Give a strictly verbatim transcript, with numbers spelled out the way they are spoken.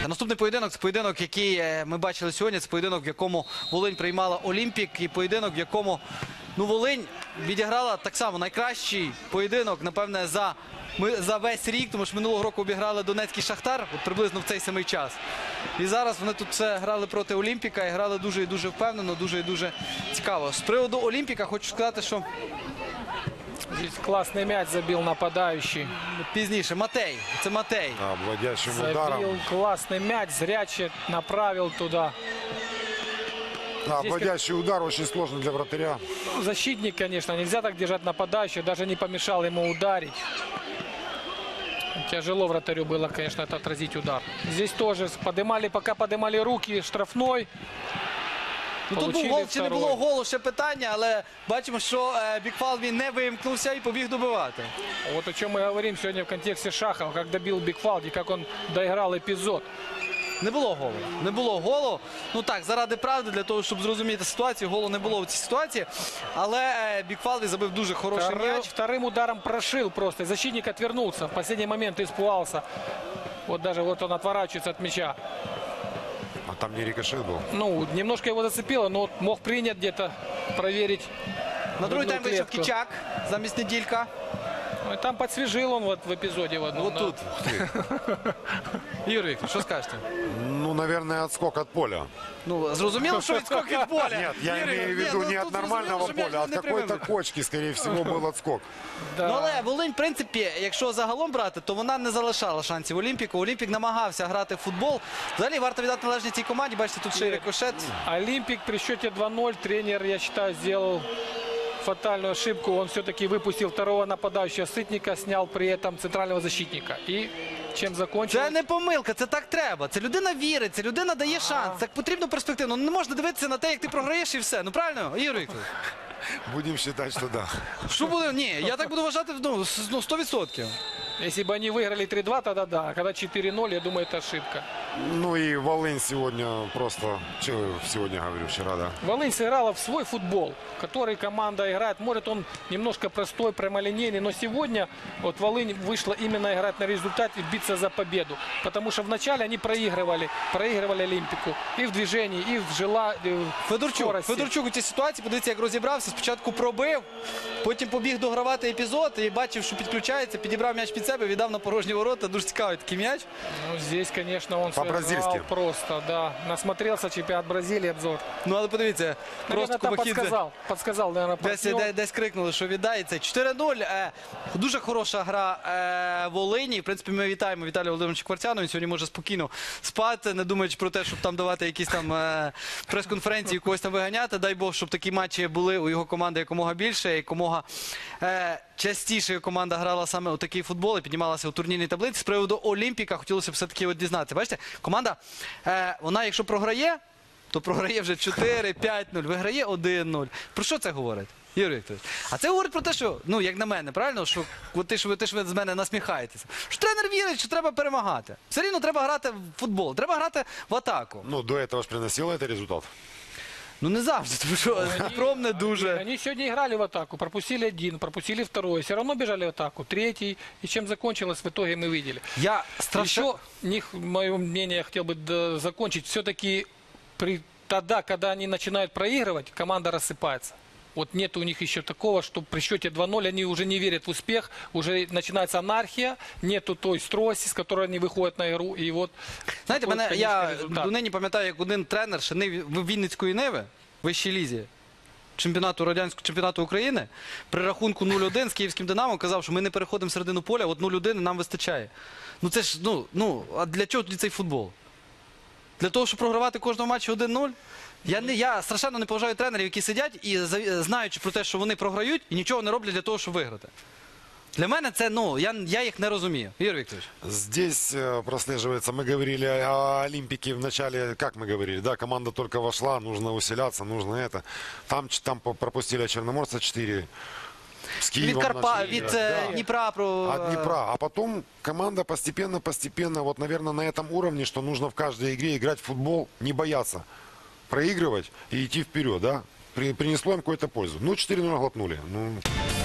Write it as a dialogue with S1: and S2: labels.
S1: Наступний поєдинок – це поєдинок, який ми бачили сьогодні. Це поєдинок, в якому Волинь приймала Олімпік. І поєдинок, в якому ну, Волинь відіграла так само найкращий поєдинок, напевне, за, ми, за весь рік. Тому що минулого року обіграли Донецький Шахтар, от приблизно в цей самий час. І зараз вони тут все грали проти Олімпіка і грали дуже і дуже впевнено, дуже і дуже цікаво. З приводу Олімпіка хочу сказати, що...
S2: Здесь классный мяч забил нападающий.
S1: Пізніше. Матей. Це Матей.
S3: Да, обводящим
S2: Забил
S3: ударом.
S2: классный мяч, зрячий направил туда.
S3: Да,
S2: Здесь
S3: обводящий удар очень сложно для вратаря.
S2: Ну, защитник, конечно, нельзя так держать нападающего, даже не помешал ему ударить. Тяжело вратарю было, конечно, это отразить удар. Здесь тоже поднимали, пока поднимали руки, штрафной.
S1: Ну, тут був гол, чи не було голу, ще питання, але бачимо, що е, Бікфалві не вимкнувся і побіг добивати.
S2: Вот о чем мы говорим сегодня в контексте Шахова, как добил Бикфалди, как он доиграл эпизод.
S1: Не було голу. Не було голу. Ну так, заради правди, для того, щоб зрозуміти ситуацію, голу не було в цій ситуації. Але е, Бікфалві забив дуже хороший
S2: Вторым,
S1: м'яч.
S2: вторым ударом прошил просто. Защитник отвернулся. В последний момент испугался. Вот даже вот он отворачивается от мяча.
S3: А там не рикошет был.
S2: Ну, немножко его зацепило, но мог принять где-то, проверить.
S1: На другий
S2: грудную
S1: тайм вийшов
S2: клетку.
S1: Кичак замість Неділька.
S2: Ну, и там подсвежил он вот в эпизоде в одном.
S1: Вот
S2: да.
S1: тут. Ігор Вікторович, що скажете?
S3: Ну, наверное, отскок от поля.
S1: Ну, зрозуміло, що відскок від поля.
S3: Нет, я
S1: Ігор
S3: имею в
S1: Вікторович,
S3: виду
S1: ні,
S3: не
S1: ну,
S3: от
S1: тут
S3: нормального
S1: зрозуміло, що
S3: поля, а
S1: м'яч
S3: от
S1: не
S3: какой-то
S1: прямий.
S3: кочки, скорее всего, был отскок.
S2: Да.
S1: Ну, але Волинь, в принципі, якщо загалом брати, то вона не залишала шансів Олімпіку. Олімпік намагався грати в футбол. Взагалі, варто віддати належність цій команді. Бачите, тут ще й рикошет.
S2: Олимпик при счете два ноль. Тренер, я считаю, сделал фатальную ошибку. Он все-таки выпустил второго нападающего Сытника, снял при этом центрального защитника. И чем закончилось?
S1: Це не помилка, це так треба. Це людина вірить, це людина дає шанс. Так потрібно перспективно. Ну, не можна дивитися на те, як ти програєш і все. Ну, правильно, Ігор Вікторович?
S3: Будем считать, что да.
S1: Що буде? Ні, я так буду вважати, ну, с- ну, сто відсотків.
S2: Если бы они выиграли три два, тогда да. А когда четыре ноль, я думаю, это ошибка.
S3: Ну и Волынь сегодня просто... Чего сегодня говорю, вчера, да.
S2: Волынь сыграла в свой футбол, который команда играет. Может, он немножко простой, прямолинейный, но сегодня вот Волынь вышла именно играть на результат и биться за победу. Потому что вначале они проигрывали, проигрывали Олимпику и в движении, и в жела... в
S1: Федорчук,
S2: скорости.
S1: Федорчук у цій ситуації, подивіться, як розібрався. Спочатку пробив, потім побіг догравати епізод і бачив, що підключається, підібрав м'яч під себе, віддав на порожні ворота. Дуже цікавий такий м'яч.
S2: Ну, здесь, конечно, он
S3: По-бразильски.
S2: сыграл просто, да. Насмотрелся чемпионат Бразилии, обзор.
S1: Ну, але подивіться,
S2: Наверное,
S1: просто
S2: там
S1: Кубакідзе
S2: подсказал, подсказал, наверное,
S1: десь,
S2: партнер.
S1: десь, десь крикнули, що віддається. чотири нуль. Е, дуже хороша гра е, Волині. В принципі, ми вітаємо Віталія Володимировича Кварцяного. Він сьогодні може спокійно спати, не думаючи про те, щоб там давати якісь там е, прес-конференції, когось там виганяти. Дай Бог, щоб такі матчі були у його команди якомога більше, якомога е, частіше команда грала саме у такий футбол і піднімалася у турнірній таблиці. З приводу Олімпіка хотілося б все-таки от дізнатися. Бачите, команда, е, вона якщо програє, то програє вже чотири п'ять нуль, виграє один нуль. Про що це говорить, Ігор Вікторович? А це говорить про те, що, ну, як на мене, правильно, що от ти, що, ти ж ви з мене насміхаєтеся, що тренер вірить, що треба перемагати. Все рівно треба грати в футбол, треба грати в атаку.
S3: Ну, до этого же приносило это результат.
S1: Ну, не завжди, тому що Дніпром не дуже.
S2: Они сегодня играли в атаку, пропустили один, пропустили второй, все равно бежали в атаку, третий. И чем закончилось, в итоге мы видели.
S1: Я страшно...
S2: Еще, них, мое мнение, я хотел бы да, закончить. Все-таки при, тогда, когда они начинают проигрывать, команда рассыпается. Вот нет у них еще такого, что при счете два ноль они уже не верят в успех, уже начинается анархия, нету той стройности, с которой они выходят на игру. И вот,
S1: Знаєте,
S2: такой,
S1: мене,
S2: конечно,
S1: я
S2: результат.
S1: донині пам'ятаю, як один тренер ще Нив- Вінницької Ниви, в вищій лізі, чемпіонату радянського чемпіонату України, при рахунку нуль один з київським Динамо казав, що ми не переходимо в середину поля, от нуль один нам вистачає. Ну це ж, ну, ну, а для чого тоді цей футбол? Для того, щоб програвати кожного матчу один нуль? Я, не, я страшенно не поважаю тренерів, які сидять і за- знаючи про те, що вони програють, і нічого не роблять для того, щоб виграти. Для мене це, ну, я, я їх не розумію. Ігор Вікторович.
S3: Здесь э, прослеживается, мы говорили о Олимпике в начале, как мы говорили, да, команда только вошла, нужно усиляться, нужно это. Там, ч- там по- пропустили от Черноморца четыре. С
S1: Від
S3: Киевом
S1: Карпа,
S3: начали
S1: від
S3: играть,
S1: е,
S3: да.
S1: Дніпра про...
S3: От Днепра. А потом команда постепенно-постепенно, вот, наверное, на этом уровне, что нужно в каждой игре играть в футбол, не бояться проигрывать и идти вперед, да. При- принесло им какую-то пользу. Ну, четыре ноль глотнули. Ну...